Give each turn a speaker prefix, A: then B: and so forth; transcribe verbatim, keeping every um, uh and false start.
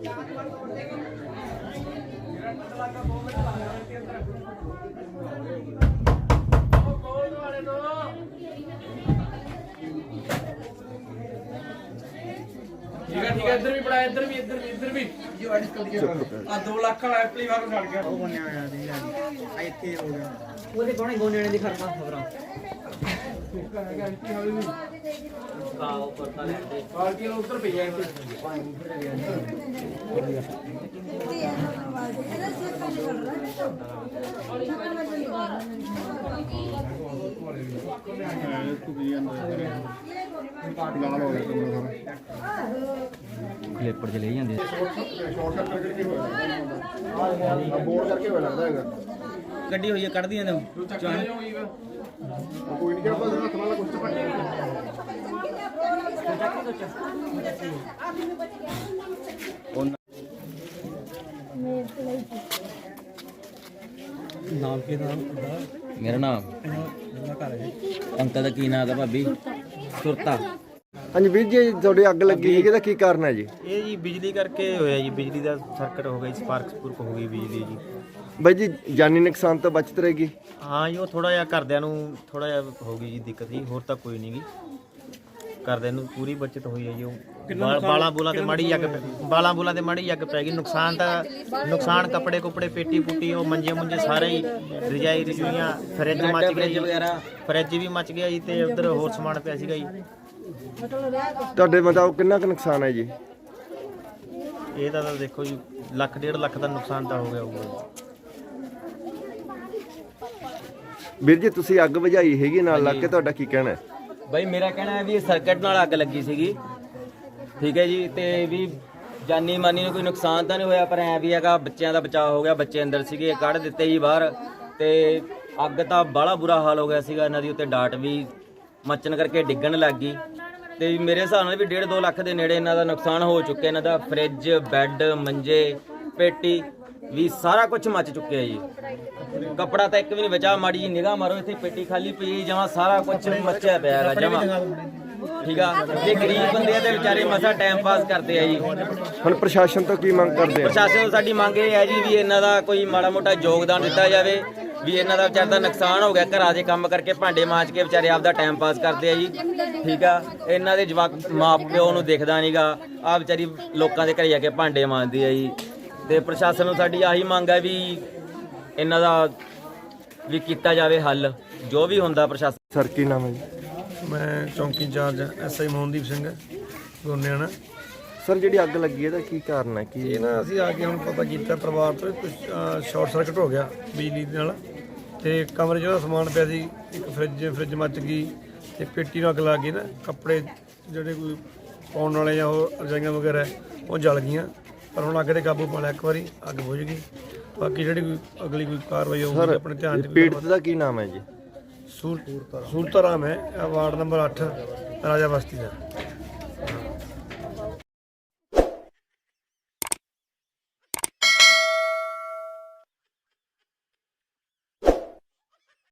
A: ठीक है ठीक है इधर भी पड़ा इधर भी इधर भी इधर भी जो एडिट कर दिया आ दो लाख वाला एप्ली वाला छड़ गया वो बनया होया दी आ इथे हो गया ਉਹਦੇ ਕੋਣੇ ਗੋਨੇ ਨੇ ਦੀ ਖਰਮਾ ਖਬਰਾਂ ਸੁੱਕਾ ਹੈਗਾ ਇੱਥੇ ਹਾਲੇ ਨਹੀਂ ਆ ਉੱਪਰ ਤਾਂ ਲੈਂਦੇ ਪਾਰਟੀ ਨੂੰ ਉੱਤਰ ਪਈ ਹੈ ਇੱਥੇ ਪਾਣੀ ਉੱਪਰ ਗਿਆ ਇਹਦਾ ਸਿੱਕਾ ਨਹੀਂ ਕਰ
B: ਕਲਿੱਪਰ ਚ ਲੈ ਜਾਂਦੇ
C: ਬੋਰਡ ਕਰਕੇ ਹੋਇਆ ਲੱਗਦਾ ਹੈਗਾ
B: ਗੱਡੀ ਹੋਈ ਹੈ ਕੱਢਦੀਆਂ ਨੇ
C: ਕੋਈ ਨਹੀਂ ਕਰਦਾ ਹੱਥ ਨਾਲ ਕੁਝ ਚੱਪਾ
B: ਨਾਮ ਕੀ ਨਾਮ ਮੇਰਾ ਨਾਮ ਅੰਕਲ ਦਾ ਕੀ ਨਾਮ ਦਾ ਭਾਬੀ ਸੁਰਤਾ।
C: ਹਾਂਜੀ ਵੀਰ ਜੀ ਤੁਹਾਡੀ ਅੱਗ ਲੱਗੀ ਸੀ ਇਹਦਾ ਕੀ ਕਾਰਨ ਹੈ ਜੀ?
D: ਇਹ ਜੀ ਬਿਜਲੀ ਕਰਕੇ ਹੋਇਆ ਜੀ, ਬਿਜਲੀ ਦਾ ਸਰਕਟ ਹੋ ਗਿਆ, ਸਪਾਰਕ ਸਪੂਰਕ ਹੋ ਗਈ ਬਿਜਲੀ ਜੀ।
C: ਬਾਈ ਜੀ ਜਾਨੀ ਨੁਕਸਾਨ ਤੋਂ ਬਚਤ ਰਹੇਗੀ?
D: ਹਾਂ ਜੀ ਉਹ ਥੋੜਾ ਜਿਹਾ ਘਰਦਿਆਂ ਨੂੰ ਥੋੜਾ ਜਿਹਾ ਹੋ ਗਈ ਜੀ ਦਿੱਕਤ ਜੀ, ਹੋਰ ਤਾਂ ਕੋਈ ਨਹੀਂ ਗੀ। ਘਰਦਿਆਂ ਨੂੰ ਪੂਰੀ ਬਚਤ ਹੋਈ ਹੈ ਜੀ। ਉਹ ਬਾਲਾਂ ਬੂਲਾਂ ਤੇ ਮਾੜੀ ਅੱਗ ਬਾਲਾਂ ਬੂਲਾਂ ਤੇ ਮਾੜੀ ਅੱਗ ਪੈ ਗਈ। ਨੁਕਸਾਨ ਤਾਂ ਨੁਕਸਾਨ ਕੱਪੜੇ ਕੁੱਪੜੇ ਪੇਟੀ ਪੁੱਟੀ ਉਹ ਮੰਜੇ ਮੁੰਜੇ ਸਾਰੇ ਹੀ ਰਜਾਈ ਰਜੂਈਆਂ ਫਰਿੱਜ ਮੱਚ ਗਿਆ ਜੀ ਵਗੈਰਾ, ਫਰਿੱਜ ਵੀ ਮੱਚ ਗਿਆ ਜੀ ਤੇ ਉਧਰ ਹੋਰ ਸਮਾਨ ਪਿਆ ਸੀਗਾ ਜੀ।
C: ਤੁਹਾਡੇ ਮੁਤਾਬਕ ਕਿੰਨਾ ਕੁ ਨੁਕਸਾਨ ਹੈ ਜੀ?
D: ਇਹ ਤਾਂ ਦੇਖੋ ਜੀ ਲੱਖ ਡੇਢ ਲੱਖ ਦਾ ਨੁਕਸਾਨ ਤਾਂ ਹੋ ਗਿਆ ਹੋਊਗਾ।
C: ਵੀਰ ਜੀ ਤੁਸੀਂ ਅੱਗ ਬੁਝਾਈ ਹੈਗੀ ਨਾਲ ਲੱਗ ਕੇ, ਤੁਹਾਡਾ ਕੀ ਕਹਿਣਾ ਹੈ?
B: ਬਾਈ ਮੇਰਾ ਕਹਿਣਾ ਹੈ ਵੀ ਇਹ ਸਰਕਟ ਨਾਲ ਅੱਗ ਲੱਗੀ ਸੀਗੀ, ਠੀਕ ਹੈ ਜੀ। ਤੇ ਵੀ ਜਾਨੀ ਮਾਨੀ ਨੂੰ ਕੋਈ ਨੁਕਸਾਨ ਤਾਂ ਨਹੀਂ ਹੋਇਆ, ਪਰ ਐ ਵੀ ਹੈਗਾ ਬੱਚਿਆਂ ਦਾ ਬਚਾਅ ਹੋ ਗਿਆ। ਬੱਚੇ ਅੰਦਰ ਸੀਗੇ, ਕੱਢ ਦਿੱਤੇ ਜੀ ਬਾਹਰ। ਤੇ ਅੱਗ ਤਾਂ ਬਾਹਲਾ ਬੁਰਾ ਹਾਲ ਹੋ ਗਿਆ ਸੀਗਾ। ਇਹਨਾਂ ਦੀ ਉੱਤੇ ਡਾਟ ਵੀ ਮੱਚਣ ਕਰਕੇ ਡਿੱਗਣ ਲੱਗ ਗਈ। ਤੇ ਮੇਰੇ ਹਿਸਾਬ ਨਾਲ ਵੀ ਡੇਢ ਦੋ ਲੱਖ ਦੇ ਨੇੜੇ ਇਹਨਾਂ ਦਾ ਨੁਕਸਾਨ ਹੋ ਚੁੱਕਿਆ। ਇਹਨਾਂ ਦਾ ਫਰਿੱਜ, ਬੈੱਡ, ਮੰਜੇ, ਪੇਟੀ ਵੀ ਸਾਰਾ ਕੁਝ ਮੱਚ ਚੁੱਕਿਆ ਜੀ। ਕੱਪੜਾ ਤਾਂ ਇੱਕ ਵੀ ਨਹੀਂ ਬਚਾ। ਮਾੜੀ ਜੀ ਨਿਗਾਹ ਮਾਰੋ, ਇੱਥੇ ਪੇਟੀ ਖਾਲੀ ਪਈ ਜਮਾਂ, ਸਾਰਾ ਕੁਝ ਮੱਚਿਆ ਪਿਆ ਹੈਗਾ ਜਮਾਂ, ਠੀਕ ਆ। ਤੇ ਗਰੀਬ ਬੰਦੇ ਆ ਤੇ ਵਿਚਾਰੇ ਮਸਾ ਟਾਈਮ ਪਾਸ ਕਰਦੇ ਆ ਜੀ।
C: ਹੁਣ ਪ੍ਰਸ਼ਾਸਨ ਤੋਂ ਕੀ ਮੰਗ ਕਰਦੇ ਆ?
B: ਪ੍ਰਸ਼ਾਸਨ ਤੋਂ ਸਾਡੀ ਮੰਗ ਇਹ ਹੈ ਜੀ ਵੀ ਇਹਨਾਂ ਦਾ ਕੋਈ ਮਾੜਾ ਮੋਟਾ ਯੋਗਦਾਨ ਦਿੱਤਾ ਜਾਵੇ। ਵੀ ਇਹਨਾਂ ਦਾ ਵਿਚਾਰ ਦਾ ਨੁਕਸਾਨ ਹੋ ਗਿਆ, ਘਰਾਂ ਦੇ ਕੰਮ ਕਰਕੇ ਭਾਂਡੇ ਮਾਂਜ ਕੇ ਵਿਚਾਰੇ ਆਪਦਾ ਟਾਈਮ ਪਾਸ ਕਰਦੇ ਆ ਜੀ, ਠੀਕ ਆ। ਇਹਨਾਂ ਦੇ ਜਵਾਕ ਮਾਂ ਪਿਓ ਨੂੰ ਦਿਖਦਾ ਨਹੀਂਗਾ, ਆ ਵਿਚਾਰੀ ਲੋਕਾਂ ਦੇ ਘਰੇ ਜਾ ਕੇ ਭਾਂਡੇ ਮਾਂਜਦੀ ਆ ਜੀ। ਤੇ ਪ੍ਰਸ਼ਾਸਨ ਨੂੰ ਸਾਡੀ ਆਹੀ ਮੰਗ ਹੈ ਵੀ ਇਹਨਾਂ ਦਾ ਵੀ ਕੀਤਾ ਜਾਵੇ ਹੱਲ, ਜੋ ਵੀ ਹੁੰਦਾ ਪ੍ਰਸ਼ਾਸਨ।
C: ਸਰ ਕੀ ਨਾਮ ਹੈ ਜੀ?
E: ਮੈਂ ਚੌਂਕੀ incharge S I Mohandeep Singh Goniana.
C: Sir ਜਿਹੜੀ ਅੱਗ ਲੱਗੀ ਇਹਦਾ ਕੀ ਕਾਰਨ ਹੈ? ਕੀ
E: ਇਹ ਨਾ ਅਸੀਂ ਆ ਕੇ ਹੁਣ ਪਤਾ ਕੀਤਾ ਪਰਿਵਾਰ ਤੋਂ ਕੁਝ ਸ਼ਾਰਟ ਸਰਕਟ ਹੋ ਗਿਆ ਬਿਜਲੀ ਦੇ ਨਾਲ, ਤੇ ਕਮਰੇ 'ਚ ਉਹਦਾ ਸਮਾਨ ਪਿਆ ਸੀ, ਇੱਕ ਫਰਿੱਜ ਫਰਿੱਜ ਮੱਚ ਗਈ ਤੇ ਪੇਟੀ ਨੂੰ ਅੱਗ ਲੱਗ ਗਈ ਨਾ। ਕੱਪੜੇ ਜਿਹੜੇ ਕੋਈ ਪਾਉਣ ਵਾਲੇ ਜਾਂ ਉਹ ਰਜਾਈਆਂ ਵਗੈਰਾ ਉਹ ਜਲ ਗਈਆਂ, ਪਰ ਹੁਣ ਅੱਗ 'ਤੇ ਕਾਬੂ ਪਾ ਲਿਆ ਇੱਕ ਵਾਰੀ, ਅੱਗ ਬੁਝ ਗਈ। ਬਾਕੀ ਜਿਹੜੀ ਕੋਈ ਅਗਲੀ ਕੋਈ ਕਾਰਵਾਈ ਹੋਊਗੀ ਆਪਣੇ ਧਿਆਨ 'ਚ।
C: ਪੀੜਤ ਦਾ ਕੀ ਨਾਮ ਹੈ ਜੀ?
E: ਸੂਰਤਾਰਾਮ ਹੈ, ਵਾਰਡ ਨੰਬਰ ਅੱਠ ਰਾਜਾ ਬਸਤੀ ਦਾ।